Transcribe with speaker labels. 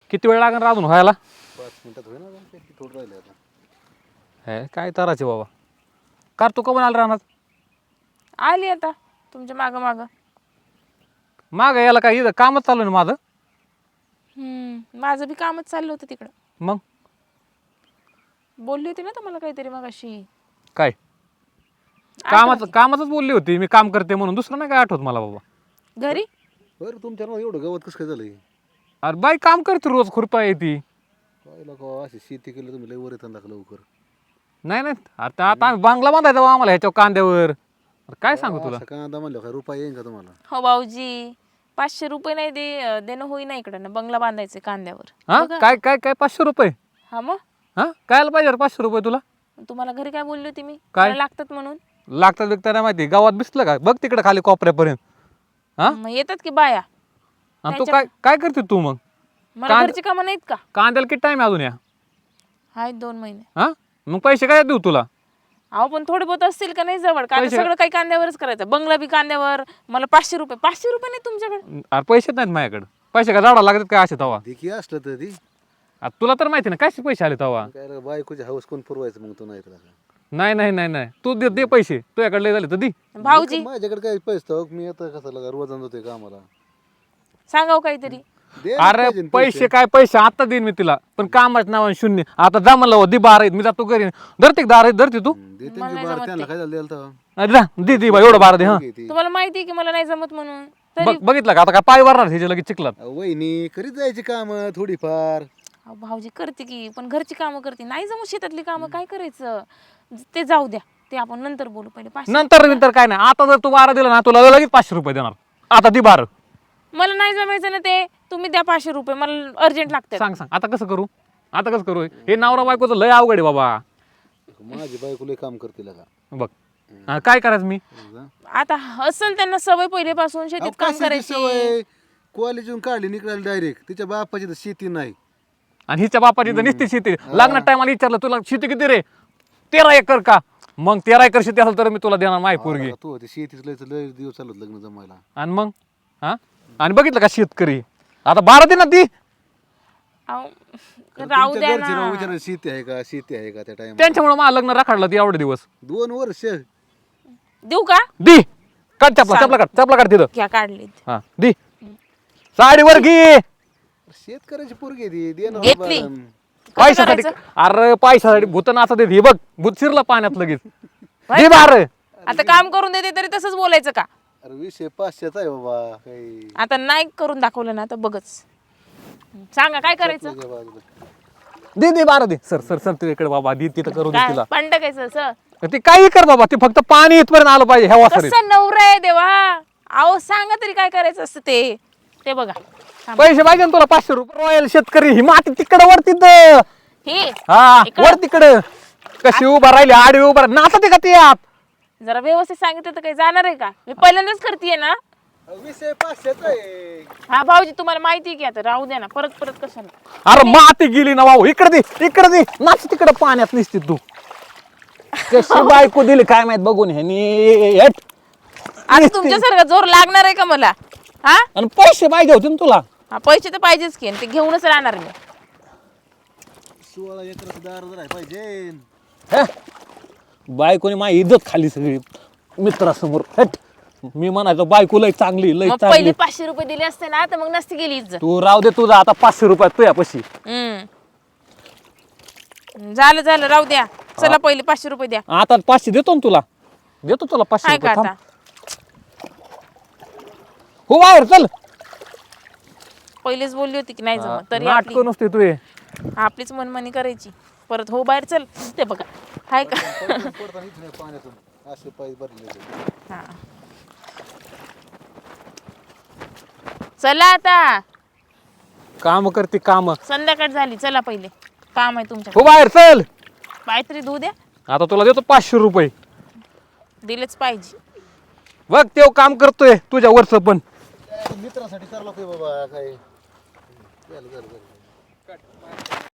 Speaker 1: किती वेळ लागणार अजून व्हायला?
Speaker 2: 5 मिनिटात होईल ना, किती थोडं राहिले आता.
Speaker 1: हे काय तराचे बाबा. कार तू कमून आला राहणार?
Speaker 3: आली आता तुमच्या मागं मागं.
Speaker 1: माग याला काय इथं कामच चालू ना माझं.
Speaker 3: माझं बी कामच चाललं होतं तिकडं.
Speaker 1: मग
Speaker 3: बोलली होती ना तुम्हाला काहीतरी मग अशी.
Speaker 1: काय कामाचंच बोलली होती मी, काम करते म्हणून. दुसरं नाही काय आठवत मला बाबा.
Speaker 3: घरी
Speaker 2: बरं तुमच्या नावावर एवढं गवत कसं काय झालंय?
Speaker 1: अरे बाई काम करते रोज, खुरपा येते.
Speaker 2: काय लोक अशी शेती केली तुम्ही लय वर येतात दाखल लवकर.
Speaker 1: नाही नाही आता आम्ही बांगला बांधायचा बा आम्हाला ह्याच्या कांद्यावर. अरे काय सांगू तुला.
Speaker 2: असं कांदा म्हणलं काय रुपये येईन का तुम्हाला?
Speaker 3: हो भाऊजी, 500 रुपये नाही देणं होईना इकडं ना. बंगला बांधायचे कांद्यावर.
Speaker 1: हा काय काय काय 500 रुपये?
Speaker 3: हा मग
Speaker 1: हा कायला पाहिजे 500 रुपये तुला?
Speaker 3: तुम्हाला घरी काय बोलली होती मी?
Speaker 1: काय?
Speaker 3: मला लागतात म्हणून.
Speaker 1: लागतात बिकतात नाही माहिती. गावात दिसलं का बघ तिकडे खाली कोपऱ्यापर्यंत. हा
Speaker 3: मग येतात की बाया.
Speaker 1: आणि तू काय काय करते तू मग?
Speaker 3: मला घरची कामं नाहीत का?
Speaker 1: कांद्याला किती टाइम अजून या?
Speaker 3: आहेत 2 महिने.
Speaker 1: हा मग पैसे काय देऊ तुला?
Speaker 3: अहो पण थोडे बहुत असतील का नाही जवळ? का सगळं काही कांद्यावरच करायचं? बंगला बी कांद्यावर. मला 500 रुपये नाही तुमच्याकडे?
Speaker 1: अरे पैसे नाहीत माझ्याकडे. पैसे काय झाडा लागतात काय असे तवा?
Speaker 2: देखी असलं तर ती
Speaker 1: तुला तर माहिती ना कसे पैसे आले तवा.
Speaker 2: काय बायकोची हौस कोण पुरवायचं मग तू नाही तर.
Speaker 1: नाही नाही नाही नाही तू दे पैसे. तुझ्याकडे लय झाले तर दे.
Speaker 3: भाऊजी
Speaker 2: माझ्याकडे काय पैसे हो, मी आता कसं लागा रोज जातोय कामाला.
Speaker 3: सांगाव काहीतरी.
Speaker 2: दे ना
Speaker 1: अरे
Speaker 2: पाहिजे ना
Speaker 1: पैसे काय पैसे आता देईन मी तिला. पण कामाचं नाव शून्य. आता जा म्हणलं हो, दे 12 मी जातो घरी. धरते 12 धरते तू.
Speaker 2: दे त्यांची बार त्यांना काय झालं द्यायला तेव्हा?
Speaker 1: अरे जा दे बा एवढं 12 दे. हा
Speaker 3: तुम्हाला माहिती आहे की मला नाही जमत म्हणून.
Speaker 1: बघितलं का आता काय पाय वारणार ह्याच्या लगेच चिखलात.
Speaker 2: वहिनी करीत जायची काम थोडीफार.
Speaker 3: अहो भाऊजी करते की, पण घरची कामं करते. नाही जमू शेतातली कामं काय करायचं? ते जाऊ द्या, ते आपण नंतर बोलू. पहिले 500.
Speaker 1: नंतर काय नाही. आता जर तू 12 दिला ना तुला लगेच 500 रुपये देणार. आता दे 12.
Speaker 3: मला नाही जमायचं ना ते. तुम्ही द्या 500 रुपये, मला अर्जंट लागतात.
Speaker 1: सांग आता कसं करू? हे नवरा बायकोचं लय अवघड आहे बाबा.
Speaker 2: माझी बायको लय काम करते का
Speaker 1: बघ काय करायचं मी?
Speaker 3: आता असेल त्यांना सवय पहिलेपासून शेतीत काम करायची.
Speaker 2: कॉलेजून काढली निघाली डायरेक्ट. तिच्या बापाची तर शेती नाही.
Speaker 1: आणि हिच्या बापाची तर निस्ती शेती. लग्नात टायमाला विचारलं तुला शेती किती रे? 13 एकर का? मग 13 एकर शेती असेल तर मी तुला देणार माय पोरगी.
Speaker 2: तू होती शेतीच लय दिवस चालत लग्न जमायला.
Speaker 1: आणि मग हा आणि बघितलं का शेतकरी आता 12 दे ना ती.
Speaker 3: अहो, राहू द्या ना.
Speaker 2: विचार शेती आहे का त्या टाइम?
Speaker 1: त्यांच्यामुळे मला लग्न राखाडलं ती एवढे दिवस.
Speaker 2: 2 वर्ष.
Speaker 3: देऊ का?
Speaker 1: दी काढ चपला काढ तिथं.
Speaker 3: घ्या काढली.
Speaker 1: हा दी साडीवर घे.
Speaker 2: शेतकऱ्याची पोरगी ती दे ना
Speaker 3: घेतली.
Speaker 2: बाबा.
Speaker 1: पैशासाठी. अरे पैशासाठी भूत नाचा देत. हे बघ भूत शिरला पाण्यात लगेच. दे 12.
Speaker 3: आता काम करून देते तरी तसंच बोलायचं का?
Speaker 2: अरे विषय 500चा आहे बाबा. काही
Speaker 3: आता नाही करून दाखवलं ना तर बघच. सांगा काय करायचं?
Speaker 1: दे 12 दे. सर तुझ्याकडे बाबा दे तिथं करू दे
Speaker 3: काय
Speaker 1: तिला.
Speaker 3: पंडकायचं असं?
Speaker 1: ते काही कर बाबा. ते फक्त पाणी इथपर्यंत आलं पाहिजे ह्या वासरीत.
Speaker 3: कसं नवरा आहे देवा. अहो सांगा तरी काय करायचं असतं ते. ते बघा
Speaker 1: पैसे पाहिजे ना तुला 500 रुपये. रॉयल शेतकरी ही माती तिकडं वर तिथं.
Speaker 3: हे
Speaker 1: हा वर तिकडं कशी उभा राहिली आडवी उभा नाचते का ते आत.
Speaker 3: जरा व्यवस्थित सांगितलं तर काही जाणार आहे का? मी पहिल्यांदाच करतेय ना.
Speaker 2: विषय 500चा आहे.
Speaker 3: हा भाऊजी तुम्हाला माहिती आहे की, आता राहू द्या ना. परत कशाला?
Speaker 1: अरे माती गेली ना भाऊ. इकडे दे नाच तिकडं पाण्यात निसती तू. कशी बायको दिली काय माहित बघून ह्यानी.
Speaker 3: आता तुमच्यासारखा जोर लागणार आहे का मला? हा
Speaker 1: आणि पैसे पाहिजे होते ना तुला.
Speaker 3: हा पैसे तर पाहिजेच की. आणि ते घेऊनच राहणार मी.
Speaker 2: 16 एकराचं दार जर आहे पाहिजे.
Speaker 1: हे? बायकोने माझी इज्जत खाली सगळी मित्रासमोर. हट मी म्हणायचो बायको लय चांगली लय
Speaker 3: मग
Speaker 1: चांगली.
Speaker 3: पहिले 500 रुपये दिले असते ना तर मग नसती गेली इज्जत.
Speaker 1: तू राहू दे तुझा आता 500 रुपयात तुझ्या पशी.
Speaker 3: झालं राहू द्या. चला पहिले 500 रुपये द्या.
Speaker 1: आता 500 देतो ना तुला. देतो तुला 500
Speaker 3: काय का
Speaker 1: रुपये.
Speaker 3: आता?
Speaker 1: हो बाहेर चल.
Speaker 3: पहिलेच बोलली होती की नाही जमत तरी
Speaker 1: नाटक नसते तू हे.
Speaker 3: आपलीच मनमानी करायची. परत हो बाहेर चल. ते बघा हाय का?
Speaker 2: पडताना इथून पाण्यातून असे पाय भरले.
Speaker 3: हा चला आता.
Speaker 1: काम करते काम.
Speaker 3: संध्याकाळ झाली. चला पहिले काम आहे तुमच्या.
Speaker 1: हो बाहेर चल.
Speaker 3: काहीतरी धुऊ द्या.
Speaker 1: आता तुला देतो 500 रुपये.
Speaker 3: दिलेच पाहिजे.
Speaker 1: बघ तेव काम करतोय तुझ्या वरच पण.
Speaker 2: मित्रासाठी चाललो की बाबा काय. झालं